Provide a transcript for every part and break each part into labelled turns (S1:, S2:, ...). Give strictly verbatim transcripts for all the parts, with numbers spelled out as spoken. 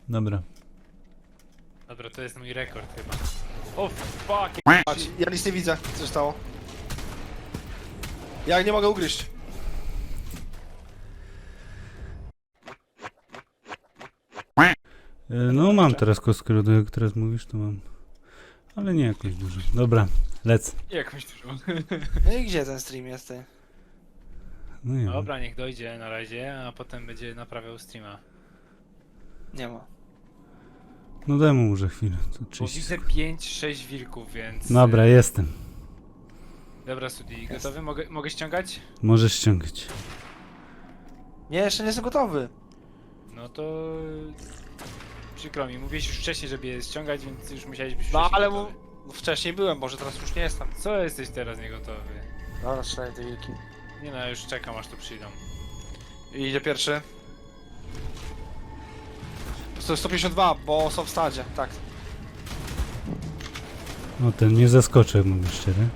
S1: Dobra.
S2: Dobra, to jest mój rekord chyba. O fuck!
S3: Patrz, ja nic nie widzę, co się stało. Ja nie mogę ugryźć.
S1: E, No mam teraz kostkę lodu, jak teraz mówisz, to mam. Ale nie jakoś dużo. Dobra, lec.
S2: Jakąś dużą.
S3: No i gdzie ten stream jest, ty?
S1: No nie wiem.
S2: Dobra, niech dojdzie na razie, a potem będzie naprawiał streama.
S3: Nie ma.
S1: No daj mu może chwilę. To
S2: Bo
S1: trzydzieści
S2: widzę
S1: sekund.
S2: pięć sześć wilków, więc...
S1: Dobra, jestem.
S2: Dobra, Sudi, gotowy? Mogę, mogę ściągać?
S1: Możesz ściągać.
S3: Nie, jeszcze nie jestem gotowy.
S2: No to... Przykro mi, mówiłeś już wcześniej, żeby je ściągać, więc już musiałeś być
S3: No
S2: wcześniej
S3: ale mu...
S2: gotowy.
S3: no, wcześniej byłem, może teraz już nie jestem.
S2: Co jesteś teraz niegotowy?
S3: Dobra, strzelaj te wilki.
S2: Nie no, już czekam aż tu przyjdą.
S3: I idzie pierwszy. sto pięćdziesiąt dwa, bo są w stadzie, tak.
S1: No ten nie zaskoczy, jak mówię szczerze.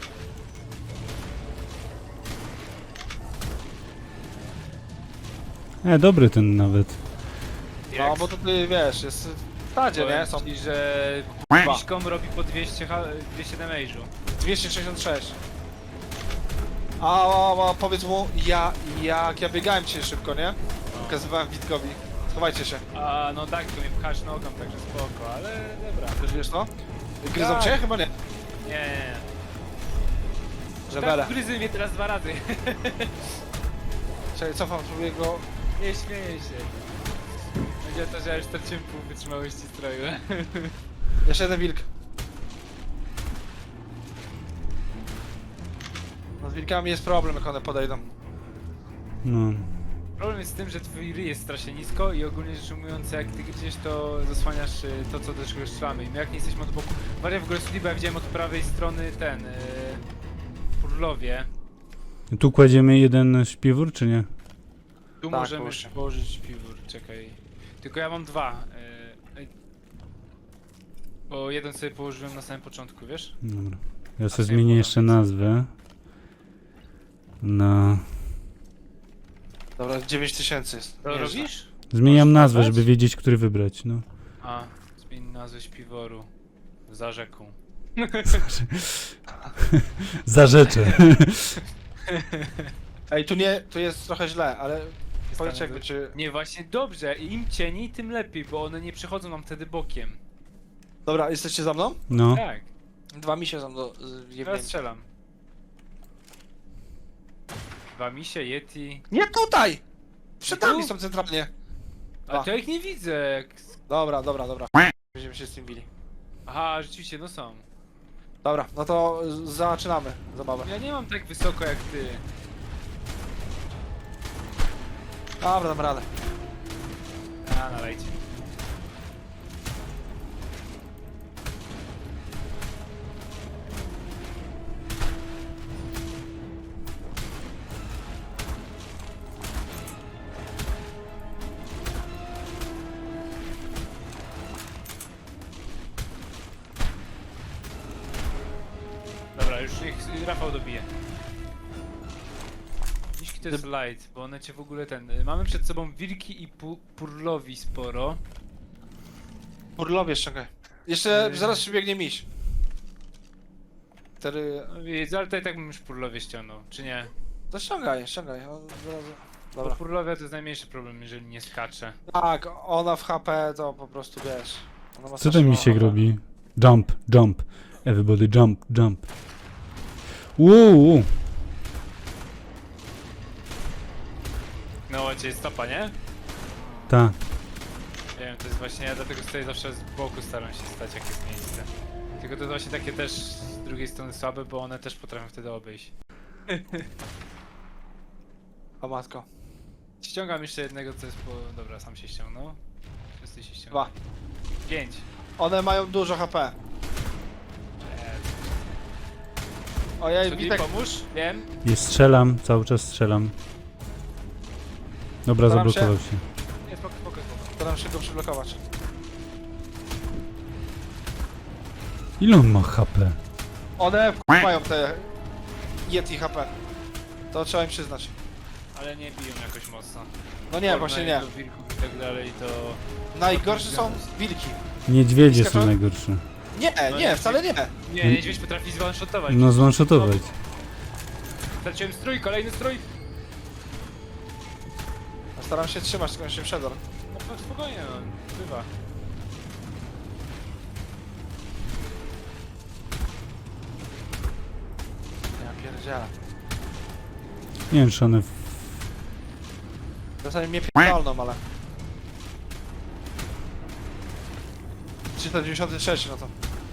S1: E, dobry ten nawet.
S3: No bo to ty wiesz, jest w stadzie, nie? Są
S2: Powiem ci, że
S3: dwa.
S2: Miśkom robi po dwieście, ha- dwieście damage'u.
S3: dwieście sześćdziesiąt sześć. A, a, a powiedz mu, ja, jak ja biegałem dzisiaj szybko, nie? Pokazywałem Witkowi. Schowajcie się.
S2: A no tak, to mnie pchasz nogą, także spoko, ale dobra.
S3: Już wiesz to? Gryzą
S2: Tak.
S3: cię? Chyba nie.
S2: Nie, nie, nie.
S3: Żebele.
S2: Tak, gryzy mnie teraz dwa razy.
S3: Czekaj, cofam, spróbuję go...
S2: Nie śmieję się. Będzie to, że ja już straciłem pół wytrzymałości stroju.
S3: Jeszcze jeden wilk. No z wilkami jest problem, jak one podejdą.
S1: No.
S2: Problem jest z tym, że twój ryj jest strasznie nisko i ogólnie rzecz ujmując, jak ty gdzieś to zasłaniasz y, to, co do czego strzelamy. I my jak nie jesteśmy od boku... Maria w ogóle Sudi, bo ja widziałem od prawej strony ten... Yy, Purlowie.
S1: Tu kładziemy jeden śpiwór, czy nie?
S2: Tu
S3: Tak,
S2: możemy
S3: połóżcie.
S2: położyć piwór, czekaj. Tylko ja mam dwa. Yy, bo jeden sobie położyłem na samym początku, wiesz?
S1: Dobra. Ja
S2: A
S1: sobie
S2: sobie
S1: zmienię
S2: podam
S1: jeszcze
S2: więcej.
S1: nazwę. Na...
S3: Dobra, dziewięć tysięcy jest.
S2: To
S3: Nieźle.
S2: robisz?
S1: Zmieniam
S2: Możesz
S1: nazwę,
S2: wybrać?
S1: żeby wiedzieć, który wybrać, no.
S2: A, zmień nazwę śpiworu. Za rzeką.
S1: Zarzeczę.
S3: Ej, tu nie, tu jest trochę źle, ale... Powiedz
S2: Stanę
S3: jakby
S2: do-
S3: czy...
S2: Nie, właśnie dobrze. Im cieniej, tym lepiej, bo one nie przechodzą nam wtedy bokiem.
S3: Dobra, jesteście za mną?
S1: No.
S2: Tak,
S3: Dwa misie są do... z-
S2: teraz
S3: jebnięcia.
S2: strzelam. Dwa misie, Yeti.
S3: Nie tutaj! Przed
S2: Tu?
S3: nami są centralnie.
S2: Ale
S3: A.
S2: to ja ich nie widzę. Jak...
S3: Dobra, dobra, dobra. Będziemy się z tym bili.
S2: Aha, rzeczywiście, no są.
S3: Dobra, no to z- zaczynamy zabawę.
S2: Ja nie mam tak wysoko jak ty.
S3: Dobra, dam radę.
S2: A, nalejcie. Dobra, już niech Rafał dobije. Dziśki to jest light, bo one cię w ogóle ten... y, Mamy przed sobą wilki i pu purlowi sporo.
S3: Purlowie ściągaj. Jeszcze
S2: Yy.
S3: zaraz przybiegnie miś. Wtedy...
S2: No wiesz, ale to i tak bym już purlowie ściągnął, czy nie?
S3: To ściągaj, ściągaj. on zaraz-
S2: Bo
S3: Dobra.
S2: purlowia to jest najmniejszy problem, jeżeli nie skacze.
S3: Tak, ona w H P to po prostu wiesz. Ona ma
S1: Co
S3: strasznie
S1: ten
S3: mało
S1: misiek
S3: H P.
S1: robi? Jump, jump. Everybody jump, jump. Uuu.
S2: No, cię stopa, nie?
S1: Ta.
S2: Nie wiem, to jest właśnie, ja dlatego stoję zawsze z boku, staram się stać, jak jest miejsce. Tylko to jest właśnie takie też z drugiej strony słabe, bo one też potrafią wtedy obejść.
S3: O matko.
S2: Ściągam jeszcze jednego, co jest po... Dobra, sam się ściągnął. Wszyscy się ściągną.
S3: Dwa.
S2: Pięć.
S3: One mają dużo H P. Ojej,
S2: Sudi,
S3: Witek,
S2: pomóż? Wiem.
S1: I strzelam, cały czas strzelam. Dobra,
S3: Staram się.
S1: zablokował się.
S2: Nie, spoko, spoko, spoko.
S3: staram się go przyblokować.
S1: Ile on ma H P?
S3: One mają te Yeti H P. To trzeba im przyznać.
S2: ale nie biją jakoś mocno.
S3: No nie, właśnie nie.
S2: Do wilków i tak dalej, to...
S3: Najgorsze są wilki.
S1: Niedźwiedzie są
S3: Skaczą?
S1: najgorsze.
S3: Nie,
S2: No
S3: nie,
S2: nie,
S3: wcale nie.
S2: Nie, niedźwiedź potrafi zwanshotować.
S1: No zwanshotować.
S2: Straciłem strój, kolejny strój!
S3: Ja staram się trzymać, tylko się przedar.
S2: No to spokojnie, no, bywa.
S3: Ja pierdzielę.
S1: Nie wiem, czy one... w-
S3: W zasadzie mnie pierdolną, ale... trzysta dziewięćdziesiąt trzy, no to...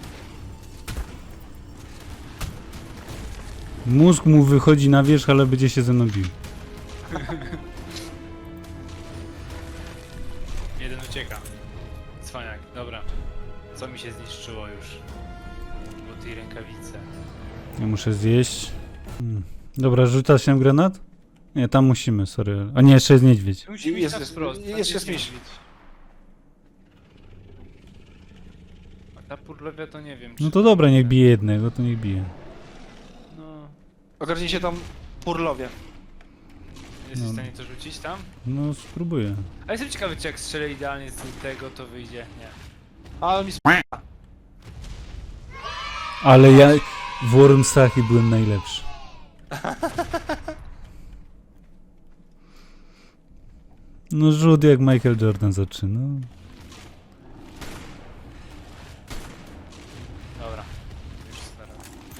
S1: Mózg mu wychodzi na wierzch, ale będzie się ze mną bił.
S2: Jeden ucieka. Cwaniak, dobra. Co mi się zniszczyło już? Bo tej rękawice.
S1: Ja muszę zjeść. Hmm. Dobra, rzuca się granat? Nie, tam musimy, sorry. A nie, jeszcze jest niedźwiedź.
S2: Musi
S3: Jest-
S2: jest, na
S3: jest-
S2: wprost,
S3: jest-
S2: tam
S3: jest
S2: jest
S3: miś.
S2: niedźwiedź. A ta purlewia to nie wiem, czy...
S1: No to dobra, niech bije jednego, to niech bije.
S2: No...
S3: Ogarnijcie tam purlowie.
S2: Jesteś
S1: No.
S2: w stanie to rzucić tam?
S1: No, spróbuję.
S2: A jestem ciekawy, czy jak strzelę idealnie z tego, to wyjdzie. Nie.
S3: Ale mi sp...
S1: Ale ja w Wormsach byłem najlepszy. No rzut jak Michael Jordan zaczyna.
S2: Dobra. Już stara.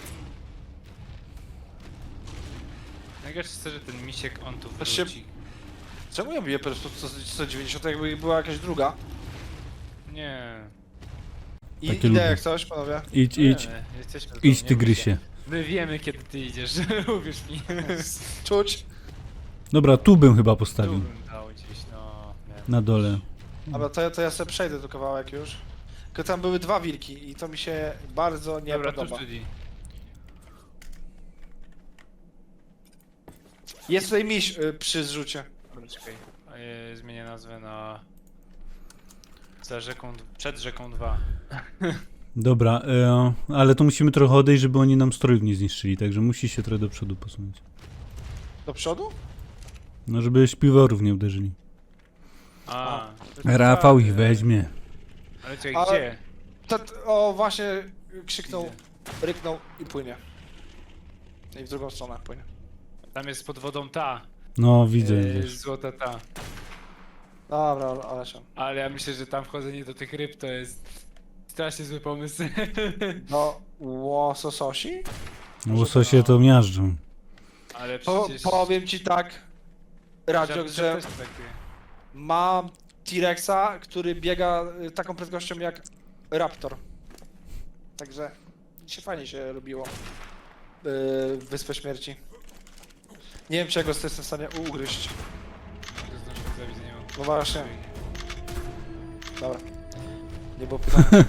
S2: Najgorsze jest to, że ten misiek, on tu
S3: Patrzcie.
S2: wróci.
S3: Czemu ja biję po prostu sto dziewięćdziesiąt, jakby była jakaś druga?
S2: Nie.
S3: I
S1: Takie
S3: idę
S1: lubię.
S3: jak coś, panowie.
S1: Idź, idź,
S2: Wiemy, jesteśmy tu,
S1: idź
S2: nie
S1: tygrysie.
S2: bój się. My wiemy, kiedy ty idziesz, uwierz mi.
S3: Czuć.
S1: Dobra, tu bym chyba
S2: Tu
S1: postawił.
S2: bym dał gdzieś, no... Nie.
S1: Na dole.
S3: Dobra, to ja, to ja sobie przejdę tu kawałek już. Tylko tam były dwa wilki i to mi się bardzo nie
S2: Dobra, tu
S3: podoba.
S2: Judy.
S3: Jest tutaj miś y, przy zrzucie.
S2: Dobra, czekaj. E, Zmienię nazwę na... Za rzeką... d- Przed rzeką dwa.
S1: Dobra, e, ale to musimy trochę odejść, żeby oni nam strojów nie zniszczyli, także musi się trochę do przodu posunąć.
S3: Do przodu?
S1: No, żeby śpiworów nie uderzyli.
S2: A,
S1: Rafał ich weźmie.
S2: Ale czekaj,
S3: Ale-
S2: gdzie?
S3: To, t- o, właśnie krzyknął,
S2: Widzę.
S3: ryknął i płynie. I w drugą stronę płynie.
S2: Tam jest pod wodą ta.
S1: No, widzę.
S2: e,
S1: wiesz.
S2: Złota ta.
S3: Dobra, ale, ale się.
S2: Ale ja myślę, że tam wchodzenie do tych ryb to jest strasznie zły pomysł.
S3: No, łosososi?
S1: Łososie to miażdżą.
S2: Ale
S3: Po,
S2: przecież...
S3: powiem ci tak, Radziok,
S2: Żart-
S3: że
S2: też takie.
S3: mam T-Rexa, który biega y, taką prędkością jak Raptor. Także się fajnie się robiło yy, Wyspę Śmierci. Nie wiem, czego jestem w stanie ugryźć.
S2: Że zdążyłem zabić, nie mam.
S3: No właśnie. Dobra. Nie było pytania.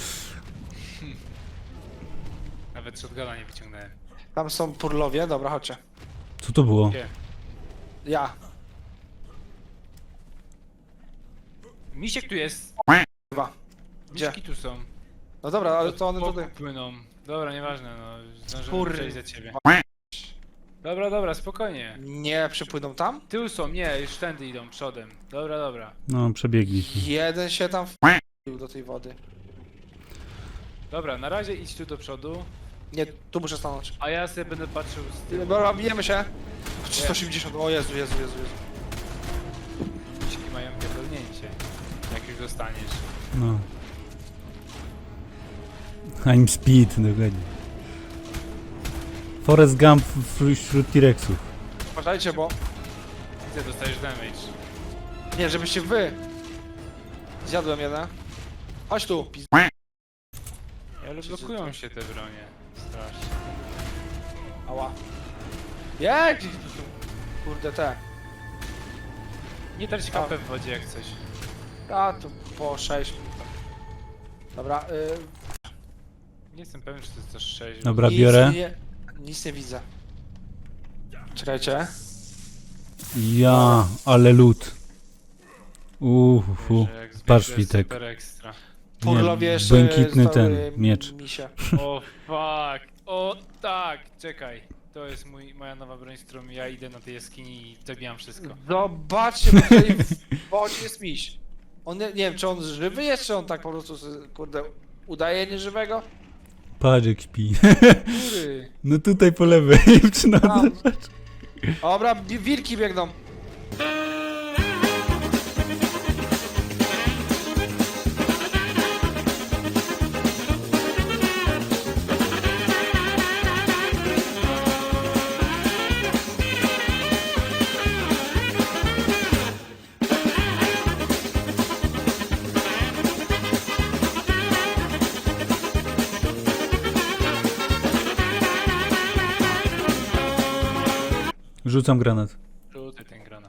S2: Nawet shotguna nie wyciągnąłem.
S3: Tam są purlowie, dobra, chodźcie.
S1: Co to było?
S2: Gdzie?
S3: Ja.
S2: Misiek tu jest.
S3: Dwa. Gdzie?
S2: Miśki tu są.
S3: No dobra, ale to one
S2: Od boku
S3: tutaj.
S2: płyną. Dobra, nieważne, no. Zdążymy
S3: Kur-
S2: przejść za ciebie. Dobra, dobra, spokojnie.
S3: Nie przypłyną tam?
S2: Tył są, nie, już tędy idą, przodem. Dobra, dobra.
S1: No, przebiegli.
S3: Jeden się tam wpił do tej wody.
S2: Dobra, na razie idź tu do przodu,
S3: Nie, tu muszę stanąć.
S2: a ja sobie będę patrzył z tyłu.
S3: Dobra, bijemy się. trzysta osiemdziesiąt, o Jezu, Jezu, Jezu, Jezu.
S2: Misiki mają pierdolnięcie. Jak już dostaniesz.
S1: No. I'm speed, dokładnie. Forrest Gump w- wśród T-Rexów.
S3: Uważajcie, bo...
S2: Widzę, dostajesz damage.
S3: Nie, żebyście wy... Zjadłem jeden. Chodź tu, pizd...
S2: Ale blokują się te bronie. Strasznie.
S3: Ała. Jak? Gdzie tu są? Kurde, te.
S2: Nie trać kapę w wodzie jak coś.
S3: A, tu po sześć. Dobra, y...
S2: Nie jestem pewien, czy to jest też sześć.
S1: Dobra,
S3: nic
S1: biorę.
S3: Nie, nic nie widzę. Czekajcie.
S1: Ja, ale lód. Uhu. Patrz, Witek.
S2: Super ekstra.
S3: Purlowie
S1: Nie,
S3: jeszcze
S1: błękitny
S3: zostały
S1: ten, miecz.
S3: Misie.
S2: O fuck. O tak, czekaj. To jest mój, moja nowa broń, z którą ja idę na tej jaskini i zabijam wszystko.
S3: Zobaczcie, bo tutaj w wodzie jest miś. On, nie, nie wiem, czy on żywy jest, czy on tak po prostu, sobie, kurde, udaje nieżywego?
S1: Patrz jak śpi.
S2: Góry!
S1: No tutaj po lewej, przy nodze.
S3: Tam. Dobra, wi- wilki biegną.
S1: Rzucam granat.
S2: Rzucaj ten granat.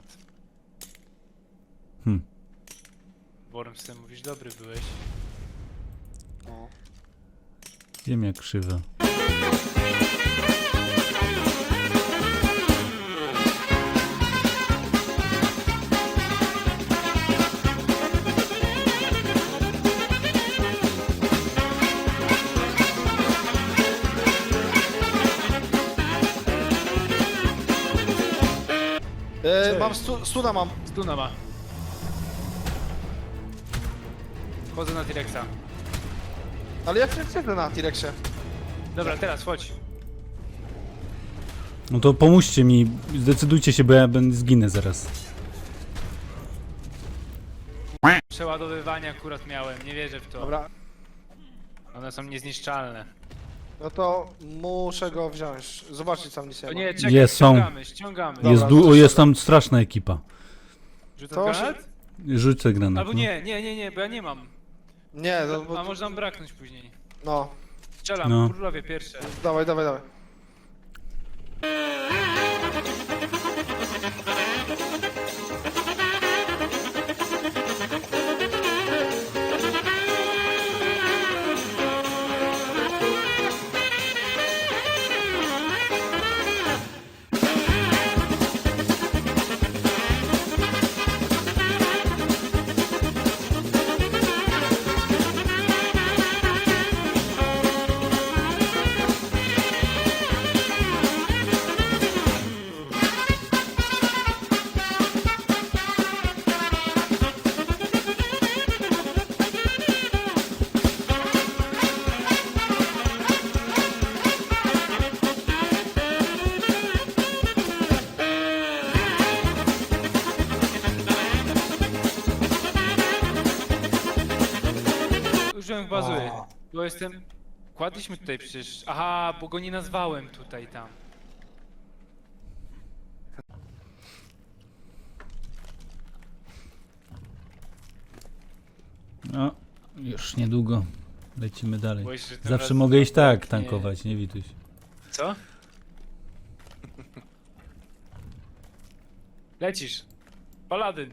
S1: Hm.
S2: Wormsy, mówisz, dobry byłeś.
S3: No.
S1: Wiem jak krzywa.
S3: E, mam stu, stuna mam.
S2: Stuna ma. Chodzę na T-Rexa.
S3: Ale ja przecież siedzę na T-Rexie.
S2: Dobra, teraz chodź.
S1: No to pomóżcie mi, zdecydujcie się, bo ja będę zginę zaraz.
S2: Przeładowywanie akurat miałem, nie wierzę w to.
S3: Dobra,
S2: One są niezniszczalne.
S3: no to muszę go wziąć. Zobaczcie co mnie
S2: To
S3: się
S2: nie, czekaj,
S1: Jest, są.
S2: ściągamy, ściągamy.
S3: Dobra,
S1: Jest,
S3: to
S1: du- o,
S3: się
S1: jest
S3: da.
S1: tam straszna ekipa.
S2: Rzucam
S3: To się-
S2: granat?
S1: Rzucę granat.
S2: Albo
S1: no.
S2: nie, nie, nie, nie, bo ja nie mam.
S3: Nie, no, bo,
S2: A może nam braknąć później.
S3: no.
S2: Strzelam,
S1: No.
S2: królowie pierwsze.
S3: Dawaj, dawaj, dawaj.
S2: Użyłem bazuję, bo jestem... Kładliśmy tutaj przecież... Aha, bo go nie nazwałem tutaj, tam.
S1: No, już niedługo. Lecimy dalej.
S2: Boję się, że tym
S1: Zawsze
S2: razem
S1: mogę iść tak
S2: nie.
S1: tankować, nie Wituś.
S2: Co? Lecisz. Paladyn.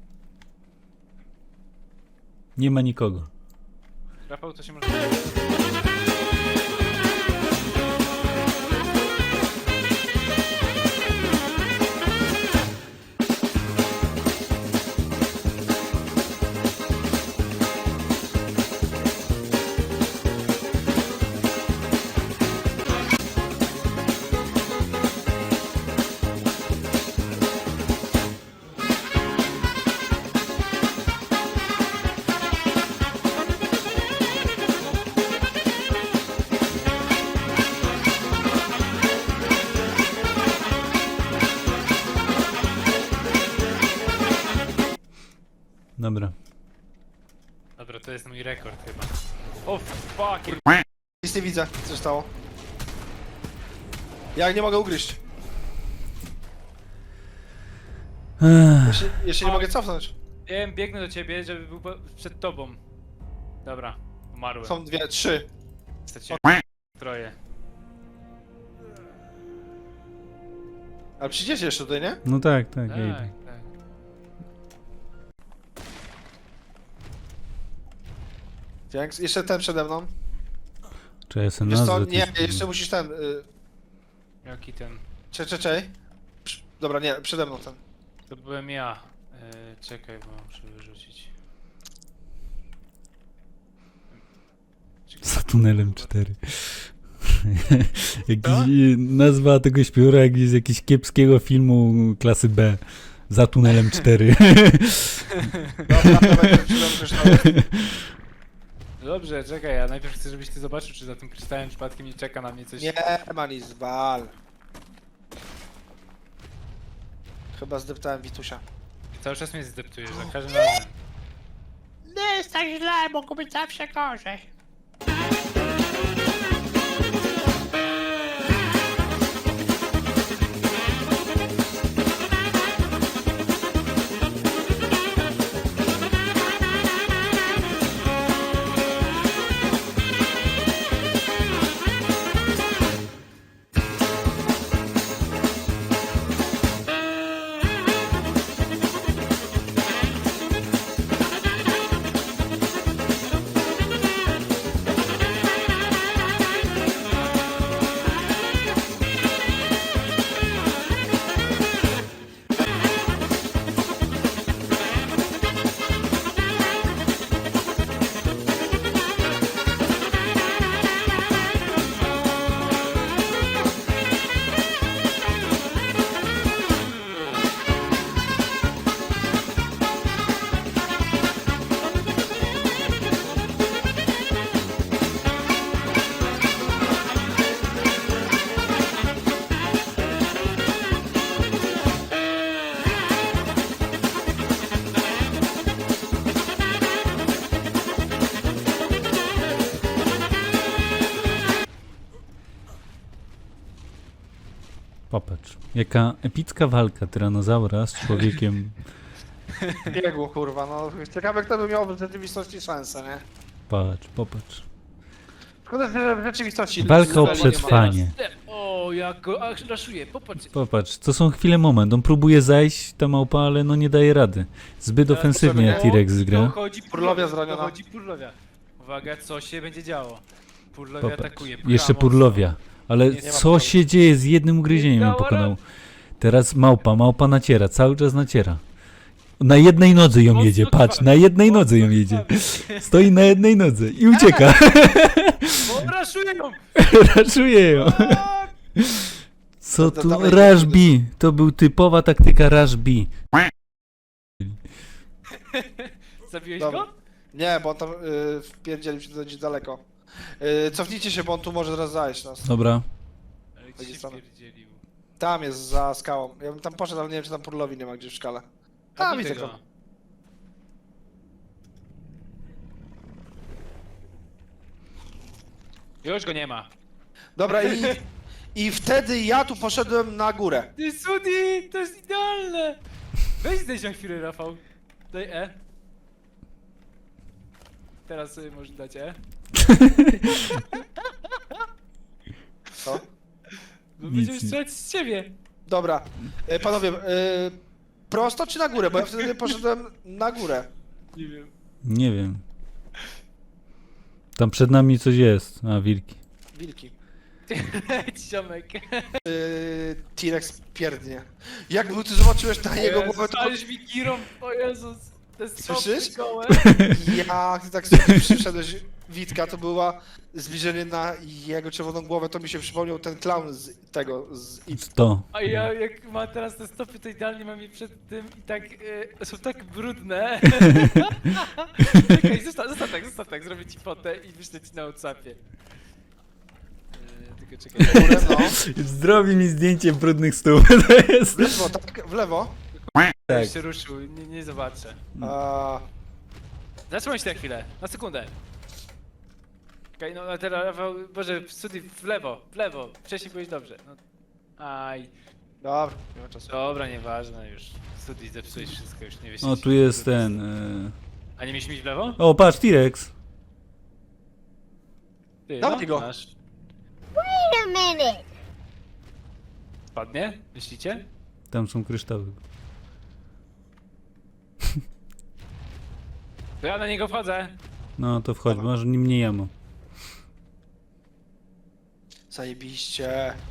S1: Nie ma nikogo.
S2: Rafał, to się może...
S1: Dobra.
S2: Dobra, to jest mój rekord chyba. O fuck!
S3: Nic nie widzę, co się stało. Jak nie mogę ugryźć?
S1: Ech,
S3: Jeszcze, jeszcze nie mogę cofnąć.
S2: Wiem, biegnę do ciebie, żeby był po- przed tobą. Dobra, umarłem.
S3: Są dwie, trzy.
S2: Straciłem troje.
S3: Ale przyjdziecie jeszcze tutaj, nie?
S1: no tak, tak,
S2: Tak,
S1: ja idę.
S2: tak.
S3: Dzięks. Jeszcze ten przede mną.
S1: Czy ja sobie
S3: Wiesz co,
S1: nazwę
S3: nie,
S1: też-
S3: jeszcze musisz ten... Y,
S2: Jaki ten?
S3: cze, cze, cze. Przy- Dobra, nie, przede mną ten.
S2: To byłem ja. Yy, czekaj, bo muszę wyrzucić.
S1: Za tunelem cztery. Jakiś, nazwa tego śpiwora jak z jakiegoś kiepskiego filmu klasy B. Za tunelem cztery.
S3: Dobra, dawaj, krzyżowy.
S2: Dobrze, czekaj, ja najpierw chcę, żebyś ty zobaczył, czy za tym kryształem przypadkiem nie czeka na mnie coś.
S3: Nie ma nic, wal. Chyba zdeptałem Witusia.
S2: Cały czas mnie zdeptujesz, za każdym razem.
S4: Nie jest tak źle, mogło być zawsze gorzej.
S1: Popatrz, jaka epicka walka tyranozaura z człowiekiem.
S3: Biegło, kurwa, no. Ciekawe, kto by miał w rzeczywistości szansę, nie?
S1: Patrz, popatrz.
S3: Szkoda, że w rzeczywistości...
S1: Walka o
S3: ludzi nie ma.
S1: przetrwanie.
S2: O, jak go ach, raszuję, popatrz.
S1: Popatrz, to są chwile moment. On próbuje zajść, ta małpa, ale no nie daje rady. Zbyt ofensywnie
S3: potrzebny-
S1: T-Rex gra.
S2: Dochodzi
S3: Purlowia zraniona.
S2: Dochodzi purlowia. Uwaga, co się będzie działo? Purlowia
S1: Popatrz.
S2: atakuje.
S1: Jeszcze
S2: brawo.
S1: purlowia. Ale
S3: Nie- nie ma
S1: co
S3: problemu.
S1: się dzieje? Z jednym ugryzieniem ją
S2: dała
S1: pokonał.
S2: rady.
S1: Teraz małpa, małpa naciera, cały czas naciera. Na jednej nodze ją
S2: Mocno
S1: jedzie, patrz,
S2: krwawi.
S1: na jednej
S2: Mocno
S1: nodze ją
S2: krwawi.
S1: jedzie. Stoi na jednej nodze i ucieka.
S2: O, raszuję ją!
S1: Raszuje ją. Co
S3: To- to
S1: tu?
S3: dawaj,
S1: Rush
S3: to-
S1: B. To był typowa taktyka Rush B.
S2: Zabiłeś
S3: Dobra.
S2: go?
S3: Nie, bo on tam y, wpierdzielił się gdzieś daleko. Y, cofnijcie się, bo on tu może zaraz zajść nas.
S1: Dobra.
S2: Ale
S3: Będzie
S2: gdzie się
S3: stronę.
S2: wpierdzielił?
S3: Tam jest, za skałą. Ja bym tam poszedł, ale nie wiem, czy tam Purlowi nie ma gdzieś w szkale. A, widzę go.
S2: Już go nie ma.
S3: Dobra, i, i wtedy ja tu poszedłem na górę.
S2: Ty Sudi, to jest idealne! Weź zdejść na chwilę, Rafał. Daj E. Teraz sobie możesz dać E.
S3: Co?
S2: Bo
S1: Nic
S2: będziemy
S1: nie-
S2: strzelać z ciebie.
S3: Dobra, y, panowie, y, prosto czy na górę? Bo ja wtedy poszedłem na górę.
S2: Nie wiem.
S1: Nie wiem. Tam przed nami coś jest. A, wilki.
S3: Wilki.
S2: Leć, ziomek.
S3: Y, T-Rex pierdnie. Jak ty zobaczyłeś na jego głowę, to...
S2: Stalisz mi girą, o Jezus. Te stopy
S3: Słyszysz?
S2: gołe.
S3: Jak ty tak sobie przyszedłeś, Witka, to była zbliżenie na jego czerwoną głowę, to mi się przypomniał ten clown z tego, z It.
S1: To.
S2: A ja jak ma teraz te stopy, to idealnie mam je przed tym i tak e, są tak brudne. Czekaj, zostaw, zostaw tak, zostaw tak, zrobię ci fotę i wyślę ci na Whatsappie. E, tylko czekaj.
S3: Górę, no.
S1: Zrobi mi zdjęcie brudnych stóp. To jest.
S3: W lewo, tak, w lewo.
S1: Tak.
S2: Tak. się ruszył, nie, nie zobaczę.
S3: A,
S2: Zatrzymaj się na chwilę, na sekundę. Okej, no a teraz, Rafał, Boże, studi w lewo, w lewo. Wcześniej byłeś dobrze. No. Aj,
S3: dobra, nie ma czasu.
S2: dobra, nieważne już. Studi zepsułeś wszystko, już nie wiesz.
S1: O, tu jest ten. y,
S2: A nie mieliśmy iść w lewo?
S1: O, patrz, T-Rex.
S2: Ty,
S3: Dawaj go.
S2: Masz.
S4: Wait a minute.
S2: Spadnie? Myślicie?
S1: Tam są kryształy.
S2: To ja na niego wchodzę.
S1: No to wchodź, masz nim nie jamo.
S3: Zajebiście.